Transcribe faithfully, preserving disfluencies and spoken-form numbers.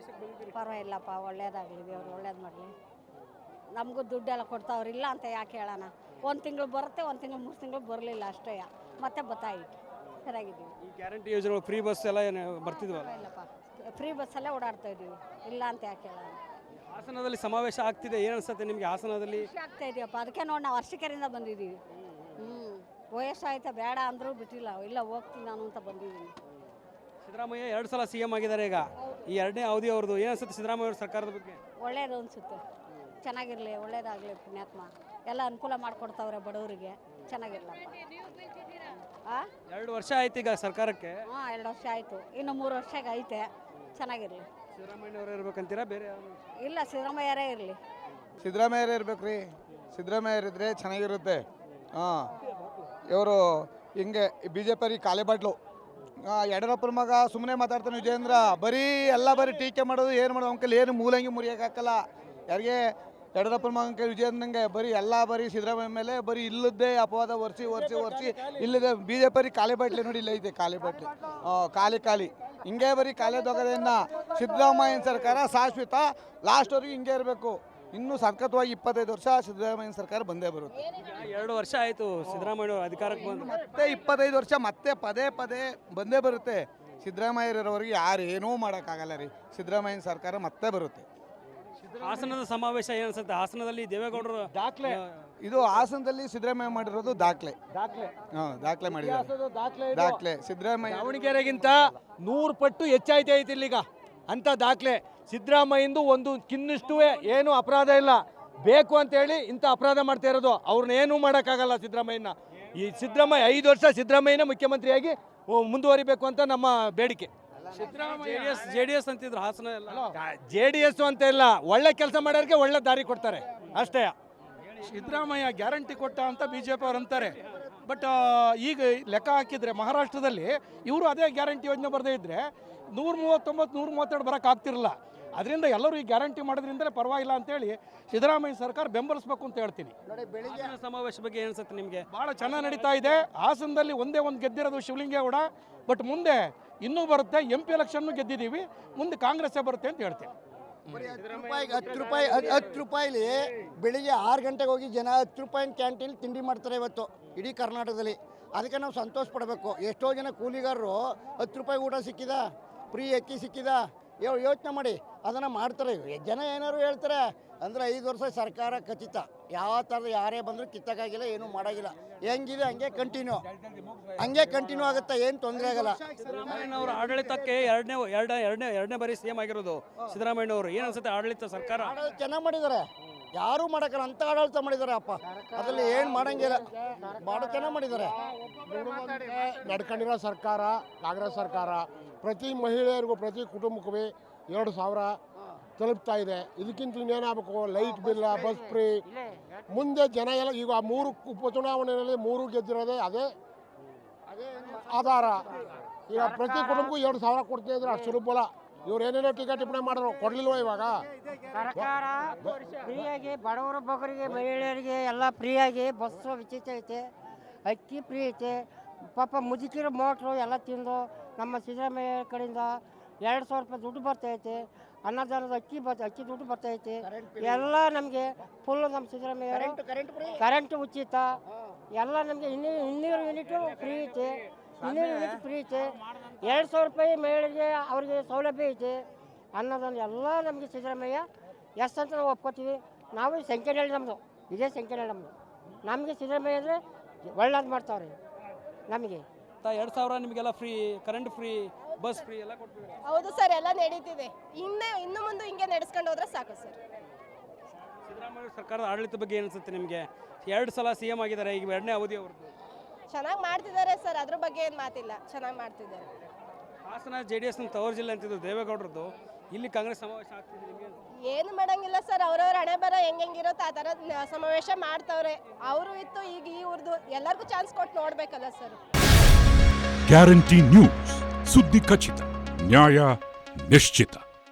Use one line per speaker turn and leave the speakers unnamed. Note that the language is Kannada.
ಪರವಾಗಿಲ್ಲಪ್ಪ, ಒಳ್ಳೇದಾಗಲಿ, ದೇವ್ರು ಒಳ್ಳೇದು ಮಾಡಲಿ. ನಮಗೂ ದುಡ್ಡೆಲ್ಲ ಕೊಡ್ತಾವ್ರಿಲ್ಲ ಅಂತ ಯಾಕೆ ಹೇಳೋಣ. ಒಂದು ತಿಂಗಳು ಬರುತ್ತೆ, ಒಂದು ತಿಂಗಳು ಮೂರು ತಿಂಗಳು ಬರಲಿಲ್ಲ ಅಷ್ಟೇ, ಮತ್ತೆ ಬತ್ತಾಯಿತು. ಚೆನ್ನಾಗಿದ್ದೀವಿ.
ಈ ಗ್ಯಾರಂಟಿ ಯೋಜನೆ ಫ್ರೀ ಬಸ್ ಎಲ್ಲ ಏನು ಬರ್ತಿದ್ವಲ್ಲ?
ಇಲ್ಲಪ್ಪ, ಫ್ರೀ ಬಸ್ಸಲ್ಲೇ ಓಡಾಡ್ತಾ ಇದ್ದೀವಿ, ಇಲ್ಲ ಅಂತ ಯಾಕೆ ಹೇಳೋಣ.
ಹಾಸನದಲ್ಲಿ ಸಮಾವೇಶ ಆಗ್ತಿದೆ, ಏನು ಅನ್ಸುತ್ತೆ ನಿಮಗೆ ಹಾಸನದಲ್ಲಿ?
ಖುಷಿ ಆಗ್ತಾ ಇದೆಯಪ್ಪ, ಅದಕ್ಕೆ ನೋಡಿ ನಾವು ವರ್ಷಕೆರೆಯಿಂದ ಬಂದಿದ್ದೀವಿ. ಹ್ಞೂ ವಯಸ್ಸಾಯ್ತಾ ಬೇಡ ಅಂದರೂ ಬಿಟ್ಟಿಲ್ಲ, ಇಲ್ಲ ಹೋಗ್ತೀನಿ ನಾನು ಅಂತ ಬಂದಿದ್ದೀನಿ.
ಸಿದ್ದರಾಮಯ್ಯ ಎರಡು ಸಲ ಸಿ ಎಂ ಆಗಿದ್ದಾರೆ. ಈಗ ಈ ಎರಡನೇ ಅವಧಿ ಅವ್ರದ್ದು ಏನು ಅನ್ಸುತ್ತೆ ಸಿದ್ದರಾಮಯ್ಯ ಅವ್ರ ಸರ್ಕಾರದ ಬಗ್ಗೆ?
ಒಳ್ಳೇದು ಅನಿಸುತ್ತೆ, ಚೆನ್ನಾಗಿರಲಿ, ಒಳ್ಳೇದಾಗಲಿ, ಪುಣ್ಯಾತ್ಮ ಎಲ್ಲ ಅನುಕೂಲ ಮಾಡಿಕೊಡ್ತಾವ್ರೆ ಬಡವರಿಗೆ, ಚೆನ್ನಾಗಿರ್ಲಪ್ಪ. ಹಾಂ
ಎರಡು ವರ್ಷ ಆಯ್ತು ಈಗ ಸರ್ಕಾರಕ್ಕೆ.
ಹಾಂ ಎರಡು ವರ್ಷ ಆಯಿತು, ಇನ್ನು ಮೂರು ವರ್ಷಕ್ಕೆ ಐತೆ, ಚೆನ್ನಾಗಿರಲಿ.
ಸಿದ್ದರಾಮಯ್ಯ ಅವರು ಇರ್ಬೇಕಂತೀರಾ ಬೇರೆ?
ಇಲ್ಲ, ಸಿದ್ದರಾಮಯ್ಯರೇ ಇರಲಿ.
ಸಿದ್ದರಾಮಯ್ಯರೇ ಇರ್ಬೇಕು ರೀ. ಸಿದ್ದರಾಮಯ್ಯರಿದ್ರೆ ಚೆನ್ನಾಗಿರುತ್ತೆ. ಹಾಂ ಇವರು ಹಿಂಗೆ ಬಿ ಜೆ ಪಿ ಕಾಲೆ ಬಾಟ್ಲು. ಯಡಿಯೂರಪ್ಪನ ಮಗ ಸುಮ್ಮನೆ ಮಾತಾಡ್ತಾನೆ ವಿಜೇಂದ್ರ, ಬರೀ ಎಲ್ಲ ಬರೀ ಟೀಕೆ ಮಾಡೋದು, ಏನು ಮಾಡೋದು ಅಂಕಲ್, ಏನು ಮೂಲಂಗಿ ಮುರಿಯೋಕ್ಕಾಗಲ್ಲ ಯಾರಿಗೆ. ಯಡಿಯೂರಪ್ಪನ ಮಗನ ವಿಜೇಂದ್ರಂಗೆ ಬರೀ ಎಲ್ಲ ಬರೀ ಸಿದ್ದರಾಮಯ್ಯ ಮೇಲೆ ಬರೀ ಇಲ್ಲದ್ದೇ ಅಪವಾದ ಒರೆಸಿ ಒರೆಸಿ ಒರೆಸಿ ಇಲ್ಲದೆ ಬಿ ಜೆ ಪಿ ಖಾಲಿ ಬಾಟ್ಲಿ ನೋಡಿ, ಇಲ್ಲ ಐತೆ ಖಾಲಿ ಬಾಟ್ಲಿ, ಖಾಲಿ ಖಾಲಿ ಹಿಂಗೆ ಬರೀ ಖಾಲಿ ದೊಗದೆಯನ್ನು. ಸಿದ್ದರಾಮಯ್ಯನ ಸರ್ಕಾರ ಶಾಶ್ವತ, ಲಾಸ್ಟ್ವರೆಗೂ ಹಿಂಗೆ ಇರಬೇಕು. ಇನ್ನೂ ಸಖತ್ವಾಗಿ ಇಪ್ಪತ್ತೈದು ವರ್ಷ ಸಿದ್ದರಾಮಯ್ಯನ ಸರ್ಕಾರ ಬಂದೇ ಬರುತ್ತೆ.
ಎರಡು ವರ್ಷ ಆಯಿತು ಸಿದ್ದರಾಮಯ್ಯ ಅವರು ಅಧಿಕಾರಕ್ಕೆ ಬಂದು,
ಮತ್ತೆ ಇಪ್ಪತ್ತೈದು ವರ್ಷ ಮತ್ತೆ ಪದೇ ಪದೇ ಬಂದೇ ಬರುತ್ತೆ. ಸಿದ್ದರಾಮಯ್ಯರವರೆಗೆ ಯಾರು ಏನೂ ಮಾಡೋಕ್ಕಾಗಲ್ಲ ರೀ. ಸಿದ್ದರಾಮಯ್ಯನ ಸರ್ಕಾರ ಮತ್ತೆ ಬರುತ್ತೆ.
ಹಾಸನದ ಸಮಾವೇಶ ಏನು ಅನ್ಸುತ್ತೆ? ಹಾಸನದಲ್ಲಿ ದೇವೇಗೌಡರು
ದಾಖಲೆ, ಇದು ಹಾಸನದಲ್ಲಿ ಸಿದ್ದರಾಮಯ್ಯ ಮಾಡಿರೋದು ದಾಖಲೆ ದಾಖಲೆ ಹಾಂ ದಾಖಲೆ ಮಾಡಿದ್ದಾರೆ. ದಾಖಲೆ ಸಿದ್ದರಾಮಯ್ಯ
ದಾವಣಗೆರೆಗಿಂತ ನೂರು ಪಟ್ಟು ಹೆಚ್ಚಾಯ್ತು ಐತಿ ಇಲ್ಲಿಗ ಅಂತ ದಾಖಲೆ. ಸಿದ್ದರಾಮಯ್ಯಂದು ಒಂದು ಕಿನ್ನಷ್ಟು ಏನು ಅಪರಾಧ ಇಲ್ಲ, ಬೇಕು ಅಂತೇಳಿ ಇಂಥ ಅಪರಾಧ ಮಾಡ್ತಾ ಇರೋದು. ಅವ್ರನ್ನ ಏನೂ ಮಾಡೋಕ್ಕಾಗಲ್ಲ ಸಿದ್ದರಾಮಯ್ಯನ. ಈ ಸಿದ್ದರಾಮಯ್ಯ ಐದು ವರ್ಷ ಸಿದ್ದರಾಮಯ್ಯನ ಮುಖ್ಯಮಂತ್ರಿಯಾಗಿ ಮುಂದುವರಿಬೇಕು ಅಂತ ನಮ್ಮ ಬೇಡಿಕೆ.
ಸಿದ್ದರಾಮಯ್ಯ ಜೆ ಡಿ ಎಸ್ ಅಂತಿದ್ರು ಹಾಸನ ಎಲ್ಲ.
ಜೆ ಡಿ ಎಸ್ ಅಂತ ಇಲ್ಲ, ಒಳ್ಳೆ ಕೆಲಸ ಮಾಡೋರಿಗೆ ಒಳ್ಳೆ ದಾರಿ ಕೊಡ್ತಾರೆ ಅಷ್ಟೇ.
ಸಿದ್ದರಾಮಯ್ಯ ಗ್ಯಾರಂಟಿ ಕೊಟ್ಟ ಅಂತ ಬಿ ಜೆ ಪಿ ಅವ್ರು ಅಂತಾರೆ. ಬಟ್ ಈಗ ಲೆಕ್ಕ ಹಾಕಿದರೆ ಮಹಾರಾಷ್ಟ್ರದಲ್ಲಿ ಇವರು ಅದೇ ಗ್ಯಾರಂಟಿ ಯೋಜನೆ ಬರದೇ ಇದ್ದರೆ ನೂರ ಮೂವತ್ತೊಂಬತ್ತು ನೂರ ಮೂವತ್ತೆರಡು ಬರೋಕೆ ಆಗ್ತಿರಲಿಲ್ಲ. ಅದರಿಂದ ಎಲ್ಲರೂ ಈ ಗ್ಯಾರಂಟಿ ಮಾಡೋದ್ರಿಂದಲೇ ಪರವಾಗಿಲ್ಲ ಅಂತೇಳಿ ಸಿದ್ದರಾಮಯ್ಯ ಸರ್ಕಾರ ಬೆಂಬಲಿಸಬೇಕು ಅಂತ ಹೇಳ್ತೀನಿ.
ಬೆಳಿಗ್ಗೆ ಸಮಾವೇಶ ಬಗ್ಗೆ ಏನು ಅನ್ಸುತ್ತೆ ನಿಮಗೆ?
ಭಾಳ ಚೆನ್ನಾಗಿ ನಡೀತಾ ಇದೆ. ಹಾಸನದಲ್ಲಿ ಒಂದೇ ಒಂದು ಗೆದ್ದಿರೋದು ಶಿವಲಿಂಗೇಗೌಡ, ಬಟ್ ಮುಂದೆ ಇನ್ನೂ ಬರುತ್ತೆ. ಎಂ ಪಿ ಎಲೆಕ್ಷನ್ನು ಗೆದ್ದಿದ್ದೀವಿ, ಮುಂದೆ ಕಾಂಗ್ರೆಸ್ಸೇ ಬರುತ್ತೆ ಅಂತ ಹೇಳ್ತೀನಿ.
ಹತ್ತು ರೂಪಾಯಿ ಹತ್ತು ರೂಪಾಯಿಲಿ ಬೆಳಿಗ್ಗೆ ಆರು ಗಂಟೆಗೆ ಹೋಗಿ ಜನ ಹತ್ತು ರೂಪಾಯಿ ಕ್ಯಾಂಟೀನ್ ತಿಂಡಿ ಮಾಡ್ತಾರೆ ಇವತ್ತು ಇಡೀ ಕರ್ನಾಟಕದಲ್ಲಿ. ಅದಕ್ಕೆ ನಾವು ಸಂತೋಷ ಪಡಬೇಕು. ಎಷ್ಟೋ ಜನ ಕೂಲಿಗಾರರು ಹತ್ತು ರೂಪಾಯಿ ಊಟ ಸಿಕ್ಕಿದ, ಫ್ರೀ ಅಕ್ಕಿ ಸಿಕ್ಕಿದ, ಯೋಚನೆ ಮಾಡಿ ಅದನ್ನು ಮಾಡ್ತಾರೆ. ಜನ ಏನಾದ್ರು ಹೇಳ್ತಾರೆ ಅಂದರೆ ಐದು ವರ್ಷ ಸರ್ಕಾರ ಖಚಿತ, ಯಾವ ಥರದ ಯಾರೇ ಬಂದರೂ ಕಿತ್ತಕ್ಕಾಗಿಲ್ಲ, ಏನೂ ಮಾಡೋಂಗಿಲ್ಲ. ಹೆಂಗಿದೆ ಹಂಗೆ ಕಂಟಿನ್ಯೂ ಹಂಗೆ ಕಂಟಿನ್ಯೂ ಆಗುತ್ತೆ, ಏನು ತೊಂದರೆ ಆಗಲ್ಲ.
ಸಿದ್ದರಾಮಯ್ಯನವರ ಆಡಳಿತಕ್ಕೆ ಎರಡನೇ ಎರಡನೇ ಎರಡನೇ ಎರಡನೇ ಬಾರಿ ಸಿ ಎಂ ಆಗಿರೋದು ಸಿದ್ದರಾಮಯ್ಯನವರು. ಏನು ಅನ್ಸುತ್ತೆ ಆಡಳಿತ ಸರ್ಕಾರ?
ಆಡಳಿತ ಚೆನ್ನಾಗಿ ಮಾಡಿದ್ದಾರೆ, ಯಾರೂ ಮಾಡೋಕ್ಕಲ್ಲ ಅಂತ ಆಡಳಿತ ಮಾಡಿದ್ದಾರೆ ಅಪ್ಪ. ಅದರಲ್ಲಿ ಏನು ಮಾಡೋಂಗಿಲ್ಲ, ಭಾಳ ಚೆನ್ನಾಗಿ ಮಾಡಿದ್ದಾರೆ.
ನಡ್ಕೊಂಡಿರೋ ಸರ್ಕಾರ ಕಾಂಗ್ರೆಸ್ ಸರ್ಕಾರ ಪ್ರತಿ ಮಹಿಳೆಯರಿಗೂ ಪ್ರತಿ ಕುಟುಂಬಕ್ಕೂ ಎರಡು ಸಾವಿರ ತಲುಪ್ತಾ ಇದೆ. ಇದಕ್ಕಿಂತ ಇನ್ನೇನಾಗಬೇಕು? Light bill, bus free. ಮುಂದೆ ಜನ ಎಲ್ಲ ಈಗ ಮೂರು ಉಪಚುನಾವಣೆಯಲ್ಲಿ ಮೂರು ಗೆದ್ದಿರೋದೇ ಅದೇ ಆಧಾರ. ಈಗ ಪ್ರತಿ ಕುಟುಂಬಕ್ಕೂ ಎರಡು ಸಾವಿರ ಕೊಡ್ತಾ ಇದ್ರೆ ಅಷ್ಟು ಸುಲಭ. ಇವ್ರು ಏನೇನೋ ಟೀಕಾ ಟಿಪ್ಪಣಿ ಮಾಡಿದ್ರು, ಕೊಡ್ಲಿಲ್ವ ಇವಾಗ?
ಸರ್ಕಾರ ಫ್ರೀಯಾಗಿ ಬಡವರ ಬಗ್ಗರಿಗೆ ಮಹಿಳೆಯರಿಗೆ ಎಲ್ಲ ಫ್ರೀಯಾಗಿ ಬಸ್ಸು ಉಚಿತ ಐತೆ, ಅಕ್ಕಿ ಫ್ರೀ ಐತೆ. ಪಾಪ ಮುದುಕಿರೋ ಮೋಟ್ರು ಎಲ್ಲ ತಿಂದು ನಮ್ಮ ಸಿದ್ದರಾಮಯ್ಯ ಕಡೆಯಿಂದ ಎರಡು ಸಾವಿರ ರೂಪಾಯಿ ದುಡ್ಡು ಬರ್ತೈತೆ. ಅನ್ನದಾನದ ಅಕ್ಕಿ ಬರ್ತ ಅಕ್ಕಿ ದುಡ್ಡು ಬರ್ತೈತೆ. ಎಲ್ಲ ನಮಗೆ ಫುಲ್ಲು ನಮ್ಮ ಸಿದ್ದರಾಮಯ್ಯ ಕರೆಂಟ್ ಉಚಿತ ಎಲ್ಲ ನಮಗೆ ಇನ್ನೂ ಇನ್ನೂರು ಯೂನಿಟು ಫ್ರೀ ಐತೆ, ಇನ್ನೂರು ಯೂನಿಟ್ ಫ್ರೀ ಐತೆ. ಎರಡು ಸಾವಿರ ರೂಪಾಯಿ ಮಹಿಳೆಗೆ ಅವ್ರಿಗೆ ಸೌಲಭ್ಯ ಐತೆ. ಅನ್ನದಾನ ಎಲ್ಲ ನಮಗೆ ಸಿದ್ದರಾಮಯ್ಯ ಎಸ್ ಅಂತ ನಾವು ಒಪ್ಕೋತೀವಿ. ನಾವು ಸಂಖ್ಯೆನಲ್ಲಿ ನಮ್ಮದು ಇದೇ ಸಂಖ್ಯೆನಲ್ಲಿ ನಮ್ಮದು. ನಮಗೆ ಸಿದ್ದರಾಮಯ್ಯ ಅಂದರೆ ಒಳ್ಳೇದು ಮಾಡ್ತಾವ್ರಿ ನಮಗೆ.
ಎರಡು ಸಾವಿರ ನಿಮಗೆಲ್ಲ free, current free, bus free ಎಲ್ಲ ಕೊಡ್ತೀವಿ.
ಹೌದು ಸರ್, ಎಲ್ಲ ನಡೀತಿದೆ. ಇನ್ನೇ ಇನ್ನು ಮುಂದೆ ಹಿಂಗೆ ನಡೆಸ್ಕೊಂಡು ಹೋದ್ರೆ ಸಾಕು ಸರ್.
ಸಿದ್ದರಾಮಯ್ಯ ಸರ್ಕಾರದ ಆಡಳಿತ ಬಗ್ಗೆ ಏನು ಅನ್ಸುತ್ತೆ ನಿಮಗೆ? ಎರಡು ಸಲ ಸಿ ಎಂ ಆಗಿದ್ದಾರೆ, ಈಗ ಎರಡನೇ ಅವಧಿ ಅವ್ರದ್ದು.
ಚೆನ್ನಾಗಿ ಮಾಡ್ತಿದ್ದಾರೆ ಸರ್, ಅದ್ರ ಬಗ್ಗೆ ಏನು ಮಾತಿಲ್ಲ, ಚೆನ್ನಾಗಿ ಮಾಡ್ತಿದ್ದಾರೆ.
ಹಾಸನ ಜೆ ಡಿ ಎಸ್ ತವರು ಜಿಲ್ಲೆ ಅಂತಿದ್ದು ದೇವೇಗೌಡರದ್ದು, ಇಲ್ಲಿ ಕಾಂಗ್ರೆಸ್ ಸಮಾವೇಶ ಆಗ್ತಿದೆ. ನಿಮಗೆ
ಏನು ಮಾಡಂಗಿಲ್ಲ ಸರ್, ಅವ್ರವ್ರ ಹಣೆ ಬರ ಹೆಂಗೆ ಹೆಂಗಿರುತ್ತೋ ಆ ಥರ ಸಮಾವೇಶ ಮಾಡ್ತವ್ರೆ. ಅವರು ಇತ್ತು, ಈಗ ಇವ್ರದ್ದು ಎಲ್ಲರಿಗೂ ಚಾನ್ಸ್ ಕೊಟ್ಟು ನೋಡ್ಬೇಕಲ್ಲ ಸರ್.
ಗ್ಯಾರಂಟಿ ನ್ಯೂಸ್, ಸುದ್ದಿ ಖಚಿತ, ನ್ಯಾಯ ನಿಶ್ಚಿತ.